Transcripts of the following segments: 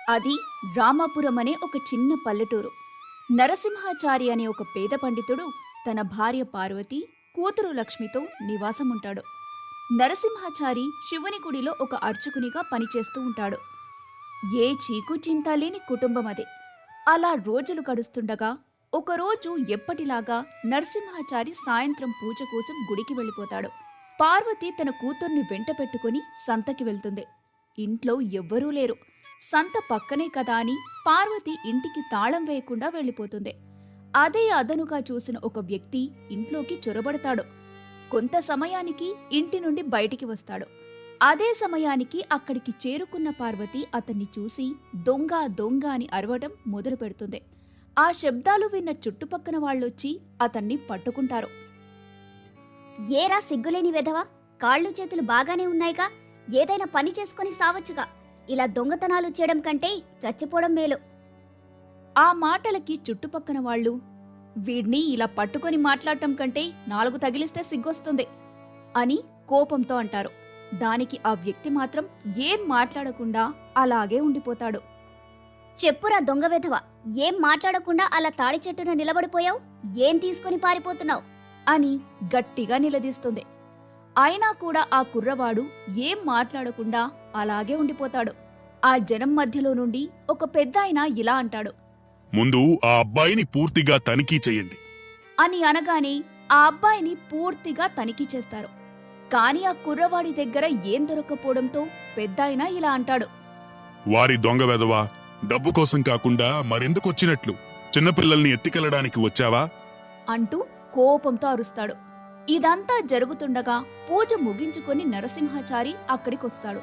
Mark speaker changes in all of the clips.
Speaker 1: అది రామాపురం అనే ఒక చిన్న పల్లెటూరు. నరసింహాచారి అనే ఒక పేద పండితుడు తన భార్య పార్వతి, కూతురు లక్ష్మితో నివాసముంటాడు. నరసింహాచారి శివుని గుడిలో ఒక అర్చకునిగా పనిచేస్తూ ఉంటాడు. ఏ చీకు చింత లేని కుటుంబం అదే. అలా రోజులు గడుస్తుండగా ఒకరోజు ఎప్పటిలాగా నరసింహాచారి సాయంత్రం పూజ కోసం గుడికి వెళ్ళిపోతాడు. పార్వతి తన కూతుర్ని వెంట పెట్టుకుని సంతకి వెళ్తుంది. ఇంట్లో ఎవ్వరూ లేరు. సంత పక్కనే కదా అని పార్వతి ఇంటికి తాళం వేయకుండా వెళ్ళిపోతుంది. అదే అదనుగా చూసిన ఒక వ్యక్తి ఇంట్లోకి చొరబడతాడు. కొంత సమయానికి ఇంటి నుండి బయటికి వస్తాడు. అదే సమయానికి అక్కడికి చేరుకున్న పార్వతి అతన్ని చూసి దొంగ దొంగ అని అరవడం మొదలు పెడుతుంది. ఆ శబ్దాలు విన్న చుట్టుపక్కన వాళ్ళొచ్చి అతన్ని పట్టుకుంటారు.
Speaker 2: ఏరా సిగ్గులేని వెధవా, కాళ్ళు చేతులు బాగానే ఉన్నాయిగా, ఏదైనా పని చేసుకుని సావచ్చుగా. ఇలా దొంగతనాలు చేయడం కంటే చచ్చిపోవడం మేలు.
Speaker 1: ఆ మాటలకి చుట్టుపక్కన వాళ్ళు, వీడ్ని ఇలా పట్టుకొని మాట్లాడటం కంటే 4 తగిలిస్తే సిగ్గొస్తుంది అని కోపంతో అంటారు. దానికి ఆ వ్యక్తి మాత్రం ఏం మాట్లాడకుండా అలాగే ఉండిపోతాడు.
Speaker 2: చెప్పురా దొంగ వెధవ, ఏం మాట్లాడకుండా అలా తాడి చెట్టున నిలబడిపోయావు? ఏం తీసుకుని పారిపోతున్నావు
Speaker 1: అని గట్టిగా నిలదీస్తుంది. అయినా కూడా ఆ కుర్రవాడు ఏం మాట్లాడకుండా అలాగే ఉండిపోతాడు. ఆ జనం మధ్యలో నుండి ఒక పెద్దాయన ఇలా అంటాడు,
Speaker 3: ముందు ఆ అబ్బాయిని పూర్తిగా తనిఖీ చెయ్యండి
Speaker 1: అని అనగానే ఆ అబ్బాయిని పూర్తిగా తనిఖీ చేస్తారు. కాని ఆ కుర్రవాడి దగ్గర ఏం దొరక్కపోవడంతో పెద్దాయన ఇలా అంటాడు,
Speaker 3: వారి దొంగ వెధవా, డబ్బు కోసం కాకుండా మరెందుకొచ్చినట్లు? చిన్నపిల్లల్ని ఎత్తికెళ్లడానికి వచ్చావా
Speaker 1: అంటూ కోపంతో అరుస్తాడు. ఇదంతా జరుగుతుండగా పూజ ముగించుకొని నరసింహాచారి అక్కడికొస్తాడు.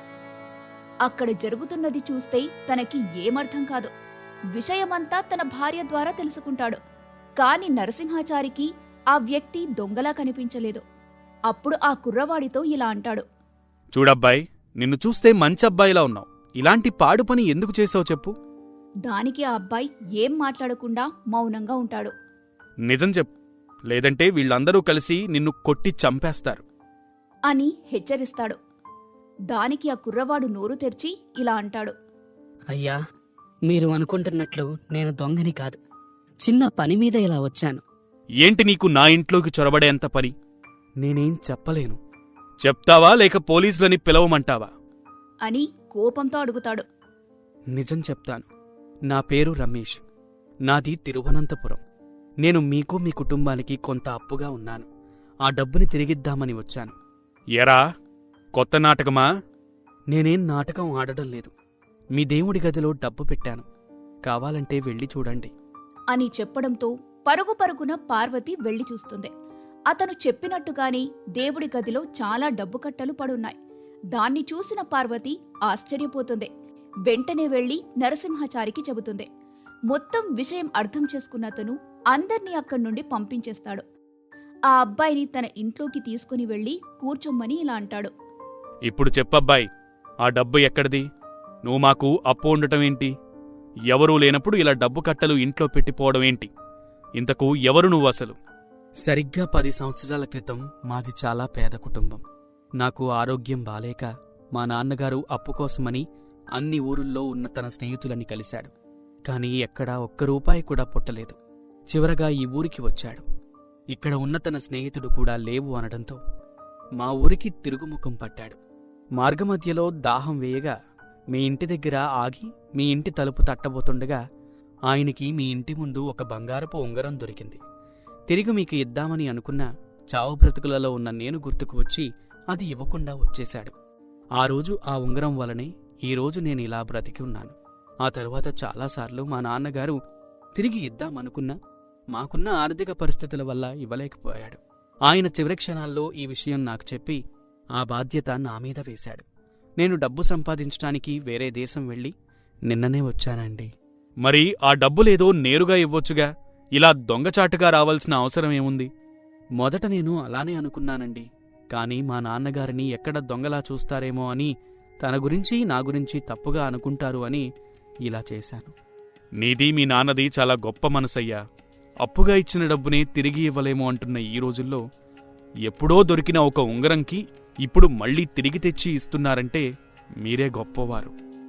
Speaker 1: అక్కడ జరుగుతున్నది చూస్తే తనకి ఏమర్థం కాదు. విషయమంతా తన భార్య ద్వారా తెలుసుకుంటాడు. కాని నరసింహాచారికి ఆ వ్యక్తి దొంగలా కనిపించలేదు. అప్పుడు ఆ కుర్రవాడితో ఇలా అంటాడు,
Speaker 4: చూడబ్బాయ్, నిన్ను చూస్తే మంచబ్బాయిలా ఉన్నావు. ఇలాంటి పాడు పని ఎందుకు చేసావు చెప్పు.
Speaker 1: దానికి ఆ అబ్బాయి ఏం మాట్లాడకుండా మౌనంగా ఉంటాడు.
Speaker 4: నిజం చెప్పు, లేదంటే వీళ్ళందరూ కలిసి నిన్ను కొట్టి చంపేస్తారు
Speaker 1: అని హెచ్చరిస్తాడు. దానికి ఆ కుర్రవాడు నోరు తెరిచి ఇలా అంటాడు,
Speaker 5: అయ్యా, మీరు అనుకుంటున్నట్లు నేను దొంగని కాదు. చిన్న పని మీద ఇలా వచ్చాను.
Speaker 4: ఏంటి నీకు నా ఇంట్లోకి చొరబడేంత పని? నేనేం చెప్పలేను. చెప్తావా లేక పోలీసులని పిలవమంటావా
Speaker 1: అని కోపంతో అడుగుతాడు.
Speaker 4: నిజం చెప్తాను. నా పేరు రమేష్. నాది తిరువనంతపురం. నేను మీకు మీ కుటుంబానికి కొంత అప్పుగా ఉన్నాను. ఆ డబ్బుని తిరిగిద్దామని వచ్చాను. ఎరా, కొత్త నాటకమా? నేనేం నాటకం ఆడడం లేదు. మీ దేవుడి గదిలో డబ్బు పెట్టాను. కావాలంటే వెళ్ళి చూడండి
Speaker 1: అని చెప్పడంతో పరుగు పరుగున పార్వతి వెళ్లి చూస్తుంది. అతను చెప్పినట్టుగానే దేవుడి గదిలో చాలా డబ్బు కట్టలు పడున్నాయి. దాన్ని చూసిన పార్వతి ఆశ్చర్యపోతుంది. వెంటనే వెళ్లి నరసింహాచారికి చెబుతుంది. మొత్తం విషయం అర్థం చేసుకున్న అతను అందర్నీ అక్కడి నుండి పంపించేస్తాడు. ఆ అబ్బాయిని తన ఇంట్లోకి తీసుకుని వెళ్లి కూర్చోమ్మని ఇలా అంటాడు,
Speaker 4: ఇప్పుడు చెప్పబ్బాయ్, ఆ డబ్బు ఎక్కడిది? నువ్వు మాకు అప్పు ఉండటమేంటి? ఎవరూ లేనప్పుడు ఇలా డబ్బు కట్టలు ఇంట్లో పెట్టిపోవడమేంటి? ఇంతకు ఎవరు నువ్వసలు? సరిగ్గా 10 సంవత్సరాల క్రితం మాది చాలా పేద కుటుంబం. నాకు ఆరోగ్యం బాలేక మా నాన్నగారు అప్పు కోసమని అన్ని ఊరుల్లో ఉన్న తన స్నేహితులని కలిశాడు. కాని ఎక్కడా ఒక్క రూపాయి కూడా పుట్టలేదు. చివరగా ఈ ఊరికి వచ్చాడు. ఇక్కడ ఉన్న తన స్నేహితుడు కూడా లేవు అనడంతో మా ఊరికి తిరుగుముఖం పట్టాడు. మార్గమధ్యలో దాహం వేయగా మీ ఇంటి దగ్గర ఆగి మీ ఇంటి తలుపు తట్టబోతుండగా ఆయనకి మీ ఇంటి ముందు ఒక బంగారపు ఉంగరం దొరికింది. తిరిగి మీకు ఇద్దామని అనుకున్నా చావు బ్రతుకులలో ఉన్న నేను గుర్తుకు వచ్చి అది ఇవ్వకుండా వచ్చేశాడు. ఆ రోజు ఆ ఉంగరం వలనే ఈరోజు నేను ఇలా బ్రతికి ఉన్నాను. ఆ తరువాత చాలాసార్లు మా నాన్నగారు తిరిగి ఇద్దామనుకున్నా మాకున్న ఆర్థిక పరిస్థితుల వల్ల ఇవ్వలేకపోయాడు. ఆయన చివరి క్షణాల్లో ఈ విషయం నాకు చెప్పి ఆ బాధ్యత నా మీద వేశాడు. నేను డబ్బు సంపాదించడానికి వేరే దేశం వెళ్ళి నిన్ననే వచ్చానండి. మరి ఆ డబ్బులేదో నేరుగా ఇవ్వొచ్చుగా, ఇలా దొంగచాటుగా రావాల్సిన అవసరమేముంది? మొదట నేను అలానే అనుకున్నానండి. కాని మా నాన్నగారిని ఎక్కడ దొంగలా చూస్తారేమో అని, తన గురించి నా గురించి తప్పుగా అనుకుంటారు అని ఇలా చేశాను. నీది మీ నాన్నది చాలా గొప్ప మనసయ్యా. అప్పుగా ఇచ్చిన డబ్బునే తిరిగి ఇవ్వలేము అంటున్న ఈ రోజుల్లో ఎప్పుడో దొరికిన ఒక ఉంగరంకి ఇప్పుడు మళ్లీ తిరిగి తెచ్చి ఇస్తున్నారంటే మీరే గొప్పవారు.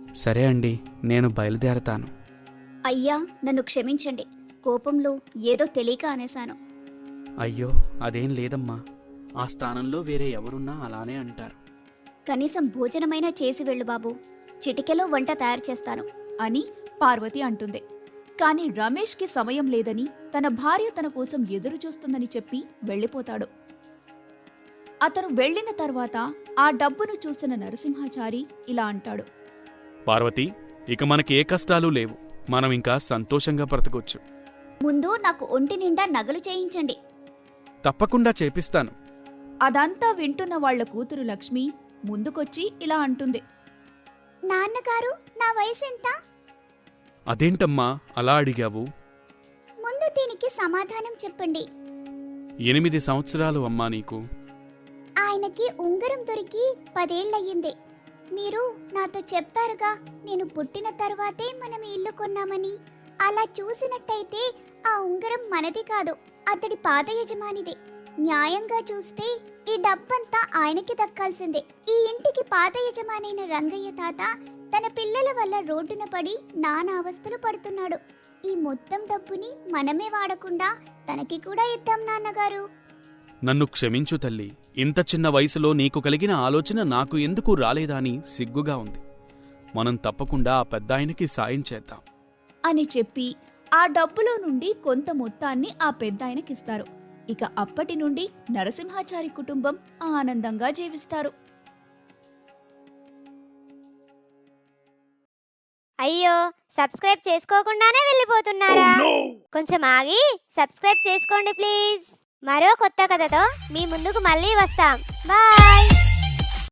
Speaker 4: సరే అండి, నేను బయలుదేరతాను.
Speaker 2: అయ్యా నన్ను క్షమించండి, కోపంలో ఏదో తెలియక అనేశాను.
Speaker 4: అయ్యో, అదేం లేదమ్మా. ఆ స్థానంలో వేరే ఎవరున్నా అలానే అంటారు.
Speaker 2: కనీసం భోజనమైనా చేసి వెళ్ళు బాబు, చిటికెలో వంట తయారు చేస్తాను
Speaker 1: అని పార్వతి అంటుంది. కాని రమేష్కి సమయం లేదని, తన భార్య తన కోసం ఎదురు చూస్తుందని చెప్పి వెళ్ళిపోతాడు. అతను వెళ్ళిన తర్వాత ఆ డబ్బును చూసిన నరసింహాచారి ఇలా అంటాడు.
Speaker 4: పార్వతి, ఇక మనకి ఏ కష్టాలు లేవు. మనం ఇంకా సంతోషంగా బ్రతకొచ్చు.
Speaker 2: ముందు నాకు ఒంటి నిండా నగలు చేయించండి.
Speaker 4: తప్పకుండా చేపిస్తాను.
Speaker 1: అదంతా వింటున్న వాళ్ల కూతురు లక్ష్మి ముందుకొచ్చి ఇలా అంటుంది.
Speaker 2: నాన్నగారు, నా వయసు ఎంత?
Speaker 4: అదేంటమ్మా అలా అడిగావు?
Speaker 2: ముందు దీనికి సమాధానం చెప్పండి.
Speaker 4: 8 సంవత్సరాలు అమ్మా నీకు.
Speaker 2: ఆయనకి ఉంగరం దొరికి 10 ఏళ్లయ్యింది. మీరు నాతో చెప్పారుగా, నేను పుట్టిన తర్వాతే మనం ఇల్లు కొన్నామని. అలా చూసినట్టయితే ఆ ఉంగరం మనది కాదు, అతడి పాత యజమానిది. న్యాయంగా చూస్తే ఈ డబ్బంతా ఆయనకి దక్కాల్సిందే. ఈ ఇంటికి పాత యజమానైన రంగయ్య తాత తన పిల్లల వల్ల రోడ్డున పడి నానా అవస్థలు పడుతున్నాడు. ఈ మొత్తం డబ్బుని మనమే వాడకుండా తనకి కూడా ఇద్దాం నాన్నగారు.
Speaker 4: నన్ను క్షమించు తల్లి. ఇంత చిన్న వయసులో నీకు కలిగిన ఆలోచన నాకు ఎందుకు రాలేదా అని సిగ్గుగా ఉంది. మనం తప్పకుండా ఆ పెద్దాయనకి సాయం చేద్దాం
Speaker 1: అని చెప్పి ఆ డబ్బులో నుండి కొంత మొత్తాన్ని ఆ పెద్దాయనకిస్తారు. ఇక అప్పటి నుండి నరసింహాచారి కుటుంబం ఆనందంగా జీవిస్తారు.
Speaker 6: అయ్యో, సబ్స్క్రైబ్ చేసుకోకుండానే వెళ్ళిపోతున్నారా? కొంచెం ఆగి సబ్స్క్రైబ్ చేసుకోండి ప్లీజ్. మరో కొత్త కథతో మీ ముందుకు మళ్ళీ వస్తాం. బాయ్.